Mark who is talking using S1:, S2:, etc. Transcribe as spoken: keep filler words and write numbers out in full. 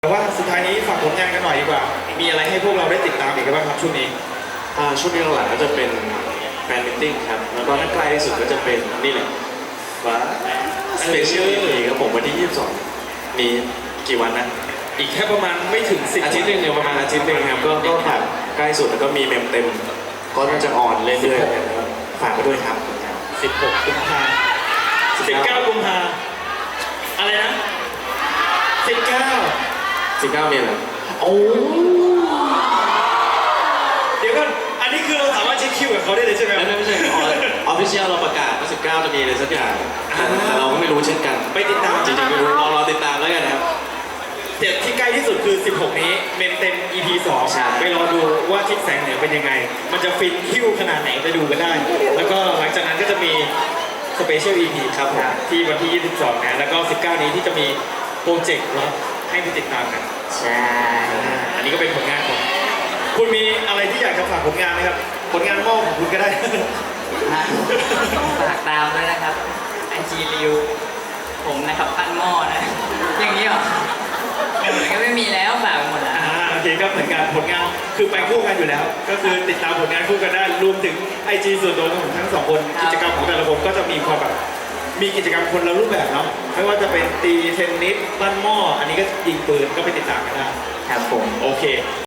S1: แต่ว่าสุดท้ายนี้ฝากผลงานกันหน่อยดีกว่ามีอะไรให้พวกเราได้ติดตามอีกบ้างครับช่วงนี้
S2: อ่าช่วงนี้หลังๆก็จะเป็นแฟนมิทติ้งครับแล้วก็ถ้าใกล้ที่สุดก็จะเป็นนี่แหละว่าสเปเชียลอีพีครับผมวันที่ยี่สิบสองมีกี่วันนะ
S1: อีกแค่ประมาณไม่ถึงสิบ
S2: อาทิตย์หนึ่งเนี่ยประมาณอาทิตย์หนึ่งครับก็ก็ฝากใกล้สุดแล้วก็มีเมมเต็มก็น่าจะออนเรื่อยๆฝากไปด้วยครับ
S1: สิบหกกุมภาสิบเก้ากุมภาอะไรนะสิบเก้า
S2: สิบเก้าเนี่ยเหรอ
S1: โอ้เดี๋ยวก่อนอันนี้คือเราสามารถเช็คคิวกับเขาได้เลยใช่ไหม
S2: ไม่ไม่ใช่ออฟฟิเชียลเราประกาศว่าสิบเก้าจะมีอะไรสักอย่างแต่เราก็ไม่รู้เช่นกัน
S1: ไปติดตาม
S2: จริงๆไม่รู้รอรอติดตามแล้วกันครับ
S1: เจ็ดที่ใกล้ที่สุดคือสิบหกนี้เมนเต็ม อี พี สองไปรอดูว่าทิศแสงเหนือเป็นยังไงมันจะฟินคิวขนาดไหนไปดูกันได้แล้วก็หลังจากนั้นก็จะมีสเปเชียล อี พี ครับที่วันที่ยี่สิบสองนะแล้วก็สิบเก้านี้ที่จะมีโปรเจกต์ลับให้ไปติดตามกัน
S3: ใช่
S1: อันนี้ก็เป็นผลงานของคุณมีอะไรที่อยากจะฝากผลงานไหมครับผลงานมอบของคุณก็ได้
S3: ฝากตามด้วยนะครับไอจีริวผมนะครับปั้นหม้อนะอย่างนี้หรอมันก็ไม่มีแล้วฝากหมดแล้ว
S1: อ่าโอเคก็เหมือนกันผลงานคือไปคู่กันอยู่แล้วก็คือติดตามผลงานคู่กันได้รวมถึงไอจีส่วนตัวของทั้งสองคนกิจกรรมของแต่ละคนก็จะมีความแบบมีกิจกรรมคนละรูปแบบเนาะไม่ว่าจะเป็นตีเทนนิสปั้นหม้ออันนี้ก็ยิงปืนก็ไปติดตามกันได้
S3: ครับผม
S1: โอเค